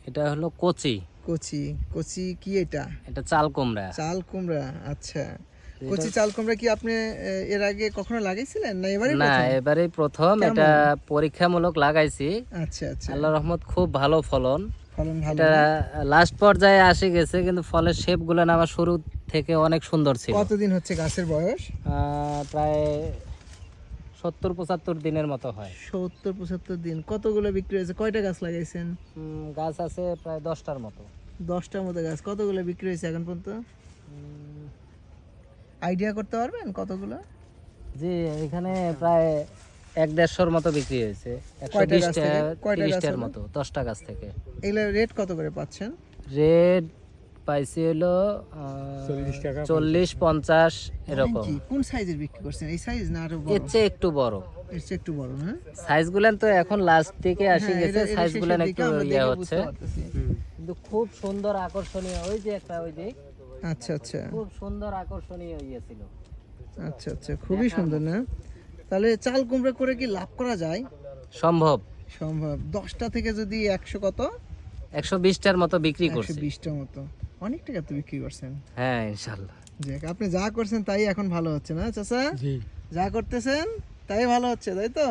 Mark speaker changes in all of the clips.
Speaker 1: এটা হলো কচি।
Speaker 2: কচি কচি কি এটা?
Speaker 1: এটা চাল কুমড়া।
Speaker 2: চাল কুমড়া, আচ্ছা। কচি চাল কুমড়া কি আপনি এর আগে কখনো লাগাইছিলেন না এবারে
Speaker 1: না,
Speaker 2: প্রথম?
Speaker 1: এবারেই প্রথম।
Speaker 2: কেমন?
Speaker 1: এটা পরীক্ষামূলক লাগাইছি।
Speaker 2: আচ্ছা আচ্ছা,
Speaker 1: আল্লাহর রহমত খুব ভালো ফলন।
Speaker 2: ফলন ভালো
Speaker 1: এটা
Speaker 2: না?
Speaker 1: লাস্ট পর্যায়ে আসে গেছে, কিন্তু ফলের শেপ গুলো আমার শুরু থেকে অনেক সুন্দর ছিল।
Speaker 2: কতদিন হচ্ছে গাছের বয়স?
Speaker 1: প্রায় 70-75 দিনের মতো হয়।
Speaker 2: 70-75 দিন। কতগুলো বিক্রি হয়েছে? কয়টা গাছ লাগাইছেন?
Speaker 1: গাছ আছে প্রায় 10টার মতো।
Speaker 2: 10টার মতো গাছ। কতগুলো বিক্রি হয়েছে এখন পর্যন্ত? আইডিয়া করতে পারবেন কতগুলো?
Speaker 1: জি, এখানে প্রায় 1-150-র মতো বিক্রি হয়েছে।
Speaker 2: কয়টা গাছ থেকে?
Speaker 1: 120-30টার মতো, 10টা গাছ থেকে।
Speaker 2: এগুলো রেট কত করে পাচ্ছেন?
Speaker 1: রেট পাইছি হলো 40-50 এরকম।
Speaker 2: কি কোন সাইজের বিক্রি করছেন? এই সাইজ না আরো বড়?
Speaker 1: এর চেয়ে একটু বড়।
Speaker 2: এর চেয়ে একটু বড় না?
Speaker 1: সাইজ গুলান তো এখন লাস্ট দিকে আসি
Speaker 2: হ্যাঁ,
Speaker 1: গেছে,
Speaker 2: এটা
Speaker 1: সাইজ গুলান
Speaker 2: শেষের
Speaker 1: একটু
Speaker 2: দিকে আমরা
Speaker 1: ইয়ে
Speaker 2: দেখে
Speaker 1: হচ্ছে,
Speaker 2: বুঝতে পারতেছি।
Speaker 1: কিন্তু খুব সুন্দর আকর্ষণীয়। ওই যে একটা, ওই যে
Speaker 2: আচ্ছা আচ্ছা
Speaker 1: খুব সুন্দর আকর্ষণীয় ইয়ে ছিল।
Speaker 2: আচ্ছা আচ্ছা, খুবই সুন্দর না? তাহলে চাল কুমড়া করে কি লাভ করা যায়?
Speaker 1: সম্ভব।
Speaker 2: সম্ভব। 10টা থেকে যদি 100 কত?
Speaker 1: 120টার মতো বিক্রি করছি।
Speaker 2: 120টার মতো। অনেক টাকা তো বিক্রি করছেন।
Speaker 1: হ্যাঁ, ইনশাআল্লাহ।
Speaker 2: যাক, আপনি যা করছেন তাই এখন ভালো হচ্ছে না চাচা?
Speaker 3: জি,
Speaker 2: যা করতেছেন তাই ভালো হচ্ছে, তাই তো?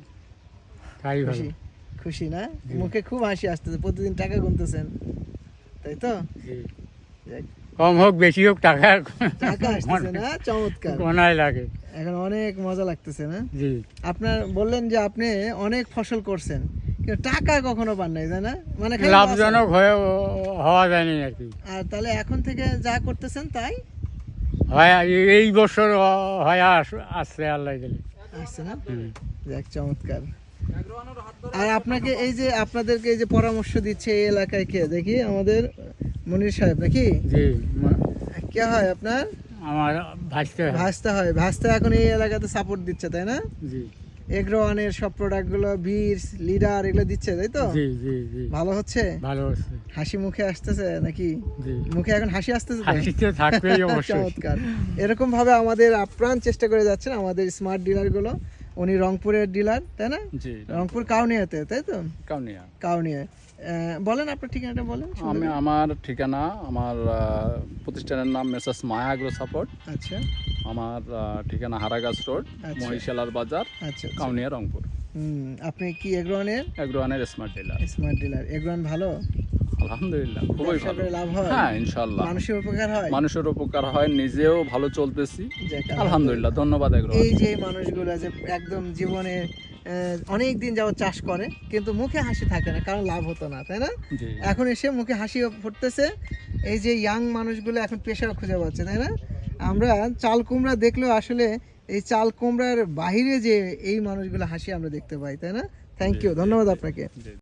Speaker 3: তাই ভালো।
Speaker 2: খুশি খুশি না? মুখে খুব হাসি আসতেছে, প্রতিদিন টাকা গুনতেছেন, তাই তো?
Speaker 3: জি।
Speaker 2: যাক,
Speaker 3: কম হোক বেশি হোক টাকা
Speaker 2: টাকা আসতেছে না? চমৎকার।
Speaker 3: গোনায় লাগে।
Speaker 2: এখন অনেক মজা লাগতেছে না?
Speaker 3: জি,
Speaker 2: আপনার বললেন যে আপনি অনেক ফসল করছেন, কিন্তু টাকা কখনো পান নাই, তাই না? মানে খালি
Speaker 3: লাভজনক হয়ে হওয়া যায়নি আর কি।
Speaker 2: আর তাহলে এখন থেকে যা করতেছেন তাই
Speaker 3: হয় এই বছর হয় আসছে আল্লাহ দিলে।
Speaker 2: আসছে না?
Speaker 3: হুম।
Speaker 2: যাক, চমৎকার। আর আপনাকে এই যে আপনাদেরকে এই যে পরামর্শ দিচ্ছে এই এলাকায় কে দেখি? আমাদের মনির সাহেব নাকি?
Speaker 3: জি,
Speaker 2: কে হয় আপনার?
Speaker 3: আমার ভাসতে হয়।
Speaker 2: ভাস্তা হয়। ভাস্তা এখন এই এলাকাতে সাপোর্ট দিচ্ছে, তাই না?
Speaker 3: জি,
Speaker 2: এগ্রোয়ানের সব প্রোডাক্টগুলো, বীজ, লিডার, এগুলো দিচ্ছে, তাই তো?
Speaker 3: জি, জি, জি,
Speaker 2: ভালো হচ্ছে?
Speaker 3: ভালো হচ্ছে।
Speaker 2: হাসি মুখে আসতেছে নাকি?
Speaker 3: জি,
Speaker 2: মুখে এখন হাসি আসতেছে তো?
Speaker 3: হাসিতে থাকবেই অবশ্যই।
Speaker 2: চমৎকার। এরকম ভাবে আমাদের আপ্রাণ চেষ্টা করে যাচ্ছেন আমাদের স্মার্ট ডিলার গুলো। উনি রংপুরের ডিলার, তাই না?
Speaker 3: জি,
Speaker 2: রংপুর কাউনিয়াতে, তাই তো?
Speaker 3: কাউনিয়া।
Speaker 2: কাউনিয়া। বলেন আপনার ঠিকানাটা বলেন।
Speaker 4: আমার ঠিকানা, আমার প্রতিষ্ঠানের নাম মেসার্স মায়া আগ্রো সাপোর্ট।
Speaker 2: আচ্ছা
Speaker 4: আমার ঠিকানা হারাগাছ রোড,
Speaker 2: আচ্ছা।
Speaker 4: মহিশালার বাজার,
Speaker 2: আচ্ছা,
Speaker 4: কাউনিয়া, রংপুর।
Speaker 2: আপনি কি এগ্রোয়ানের
Speaker 4: এগ্রোয়ানের স্মার্ট ডিলার।
Speaker 2: Smart dealer? এগ্রোয়ান ভালো?
Speaker 4: আলহামদুলিল্লাহ, খুবই
Speaker 2: ব্যবসা
Speaker 4: ভালো।
Speaker 2: করে লাভ হয়?
Speaker 4: হ্যাঁ, ইনশাআল্লাহ।
Speaker 2: মানুষের উপকার হয়?
Speaker 4: মানুষের উপকার হয়, নিজেও ভালো চলতেছি।
Speaker 2: যাক,
Speaker 4: আলহামদুলিল্লাহ, ধন্যবাদ এগ্রোয়ান।
Speaker 2: এই যে মানুষগুলো যে একদম জীবনে অনেক দিন যাবত চাষ করে, কিন্তু মুখে হাসি থাকে না, কারণ লাভ হতো না, তাই না?
Speaker 4: জি,
Speaker 2: এখন এসে মুখে হাসি ফুটতেছে। এই যে ইয়াং মানুষগুলো এখন পেশা খুঁজে পাচ্ছে, তাই না? আমরা চাল কুমড়া দেখলেও আসলে এই চাল কুমড়ার বাহিরে যে এই মানুষগুলো হাসি আমরা দেখতে পাই, তাই না? থ্যাংক ইউ, ধন্যবাদ আপনাকে।
Speaker 4: জি।